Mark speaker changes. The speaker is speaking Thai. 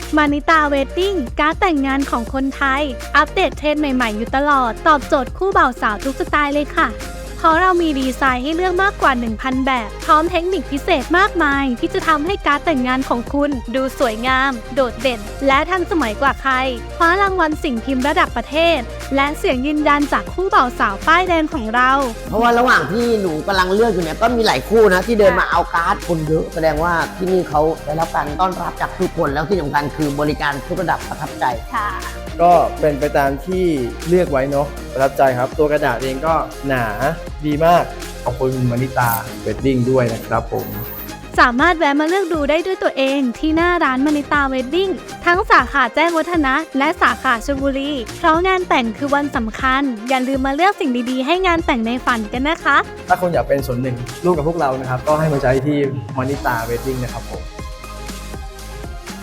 Speaker 1: มานิตาเวดดิ้งการ์ดแต่งงานของคนไทยอัปเดตเทรนด์ใหม่ๆอยู่ตลอดตอบโจทย์คู่บ่าวสาวทุกสไตล์เลยค่ะเพราะเรามีดีไซน์ให้เลือกมากกว่า 1,000 แบบพร้อมเทคนิคพิเศษมากมายที่จะทำให้การ์ดแต่งงานของคุณดูสวยงามโดดเด่นและทันสมัยกว่าใครคว้ารางวัลสิ่งพิมพ์ระดับประเทศและเสียงยืนยันจากคู่บ่าวสาวป้ายแดงของเรา
Speaker 2: เพราะว่าระหว่างที่หนูกำลังเลือกอยู่เนี่ยก็มีหลายคู่นะที่เดินมาเอาการ์ดคนเยอะแสดงว่าที่นี่เขาได้รับการต้อนรับจากทุกคนแล้วที่สำคัญคือบริการทุกระดับประทับใจ
Speaker 1: ค่ะ
Speaker 3: ก็เป็นไปตามที่เลือกไว้เนาะประทับใจครับตัวกระดาษเองก็หนาดีมากขอบคุณมานิตาเวดดิ้งด้วยนะครับผม
Speaker 1: สามารถแวะมาเลือกดูได้ด้วยตัวเองที่หน้าร้านมานิตาเวดดิ้งทั้งสาขาแจ้งวัฒนะและสาขาชลบุรีเพราะงานแต่งคือวันสำคัญอย่าลืมมาเลือกสิ่งดีๆให้งานแต่งในฝันกันนะคะ
Speaker 3: ถ้าคุณอยากเป็นส่วนหนึ่งร่วมกับพวกเรานะครับก็ให้มาใช้ที่มานิตาเวดดิ้งนะครับผม